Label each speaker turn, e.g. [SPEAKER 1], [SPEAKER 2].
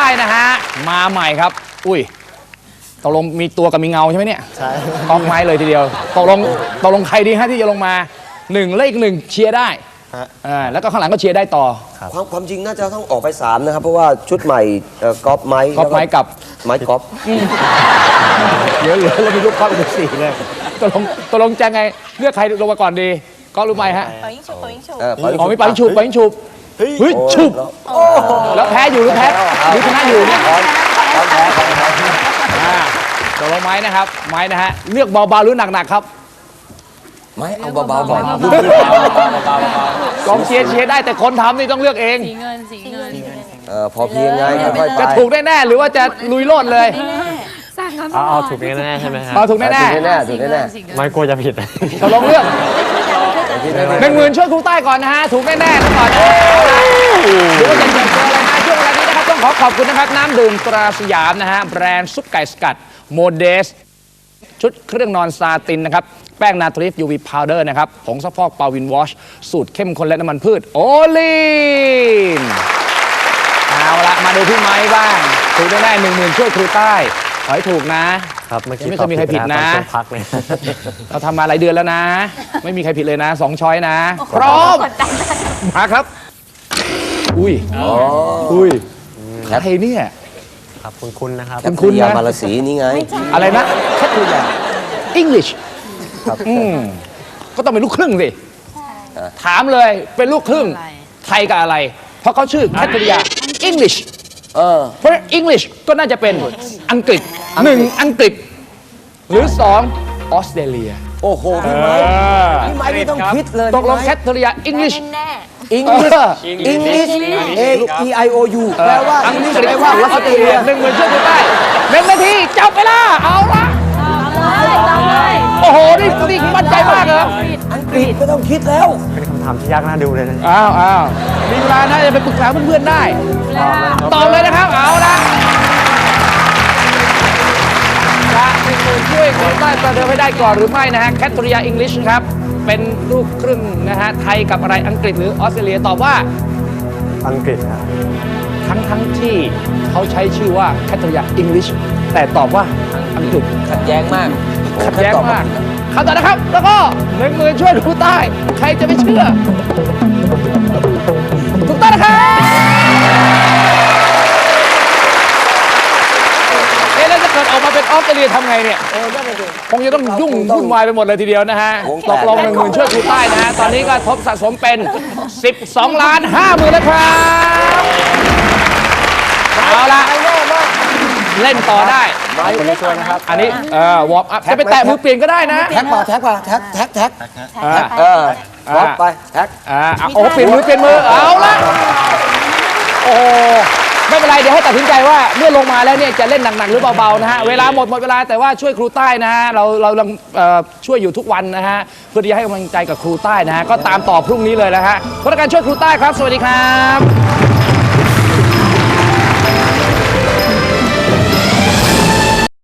[SPEAKER 1] นะฮะมาใหม่ครับอุ้ยตกลงมีตัวกับมีเงาใช่ไหมเนี่ยใช่กองไม้เลยทีเดียวตกลงใครดีฮะที่จะลงมา1เลข1เชียร์ได้แล้วก็ข้างหลังก็เชียร์ได้ต่อ
[SPEAKER 2] ความจริงน่าจะต้องออกไป3นะครับเพราะว่าชุดใหม่ก๊อฟไม้
[SPEAKER 1] กับ
[SPEAKER 2] ไม้ก๊อฟ
[SPEAKER 1] เหลือแล้วมีลูกก๊อฟอีก4เลยตกลงจะไงเลือกใครลงมาก่อนดีก๊อฟรู้ไหมฮะ
[SPEAKER 3] เป่ายิงฉุบ
[SPEAKER 1] มีเป่ายิงฉุบเฮ้ยฉุบแล้วแพ้อยู่หรือชนะอยู่เนี่ยตกลงไม้นะครับไม้นะฮะเลือกเบาๆหรือหนักๆครับ
[SPEAKER 2] ไม้เอาเบาๆก่อน
[SPEAKER 1] กองเชียร์ได้แต่คนทำนี่ต้องเลือกเอง
[SPEAKER 3] สีเงิน
[SPEAKER 2] พอเพียงไงค่อยๆไป
[SPEAKER 1] จะถูกแน่ๆหรือว่าจะลุยโลดเลย
[SPEAKER 4] เอาถูกแน่ๆใช่ไหมครับ
[SPEAKER 1] เอาถูกแน่
[SPEAKER 2] ๆ
[SPEAKER 4] ไม่กลัวจะผิด
[SPEAKER 1] ตกลงเลือก10,000ช่วยครูใต้ก่อนนะฮะถูกแน่ๆก่อนหรือว่าจะเจออะไรนะช่วงเวลานี้นะครับต้องขอบคุณนะครับน้ำดื่มตราสยามนะฮะแบรนด์ซุปไก่สกัดโมเดสชุดเครื่องนอนซาตินนะครับแป้งนาทริฟ UV Powder นะครับผงซักฟอกปาวินวอชสูตรเข้มข้นและน้ำมันพืชโอลีนเอาละมาดูพี่ไม้บ้างถูกแน่ๆ10,000ช่วยครูใต้ขอให้ถูกนะครับไม่เคยมีใครผิดนะ
[SPEAKER 4] พักเลย
[SPEAKER 1] เราทำมาหลายเดือนแล้วนะไม่มีใครผิดเลยนะ2ช้อยนะพร้อมมาครับอุ้ยใครเนี่ย
[SPEAKER 4] ครับคุณนะครับ
[SPEAKER 1] คุณ
[SPEAKER 2] ยามาลสีนี่ไง
[SPEAKER 1] อะไรนะแคทริยา English ก็ต้องเป็นลูกครึ่งสิถามเลยเป็นลูกครึ่งไทยกับอะไรเพราะเขาชื่อแคทริยา English เพราะ English ก็น่าจะเป็นอังกฤษ1อังกฤษหรือ2ออสเตรเลีย
[SPEAKER 2] โอ้โหพี่ไม้ไม่ต้องคิดเลย
[SPEAKER 1] ตกลงแคทริยา English
[SPEAKER 2] English AEIOU แปลว่า
[SPEAKER 1] อังกฤษแปลว่าออสเตรเลีย10,000ช่วยกันได้1 นาทีจับเวลาเอาละโอ้โหนี่มั่นใจมากเลย
[SPEAKER 2] อังกฤษไม่ต้องคิดแล้ว
[SPEAKER 4] เป็นคำถามที่ยากน่าดูเลยนะ
[SPEAKER 1] อ้าวมีเวลานะจะไปปรึกษาเพื่อนๆได้ตอบเลยนะครับเอาละจะ10,000ช่วยคนใต้ประเดิมให้ได้ก่อนหรือไม่นะฮะแคทริยา English ครับเป็นลูกครึ่งนะฮะไทยกับอะไรอังกฤษหรือออสเตรเลียตอบว่า
[SPEAKER 4] อังกฤษครับ
[SPEAKER 1] ทั้งที่เขาใช้ชื่อว่าแคทริยา English แต่ตอบว่าอังกฤษ
[SPEAKER 2] ขัดแย้งมาก
[SPEAKER 1] คำตอบนะครับแล้วก็10,000ช่วยครูใต้ใครจะไม่เชื่อถูกต้องนะครับแล้วจะเกิดออกมาเป็นออสเตรเลียทำไงเนี่ยคงจะต้องวุ่นวายไปหมดเลยทีเดียวนะฮะตกลง10,000ช่วยครูใต้นะฮะตอนนี้ก็ทบสะสมเป็น12,50,000แล้วครับเอาละเล่นต่อได้
[SPEAKER 4] คนนี้ช่วยนะครับ
[SPEAKER 1] อันนี้วอร์มอัพจะไปแตะมือเปลี่ยนก็ได้นะ
[SPEAKER 2] แท็กมาแท็กไปแท็ก
[SPEAKER 1] โอ้เปลี่ยนมือเอาละโอ้ไม่เป็นไรเดี๋ยวให้ตัดสินใจว่าเมื่อลงมาแล้วเนี่ยจะเล่นหนักๆหรือเบาๆนะฮะเวลาหมดเวลาแต่ว่าช่วยครูใต้นะฮะเราช่วยอยู่ทุกวันนะฮะเพื่อที่จะให้กำลังใจกับครูใต้นะฮะก็ตามต่อพรุ่งนี้เลยนะฮะพนักงานช่วยครูใต้ครับสวัสดีครับ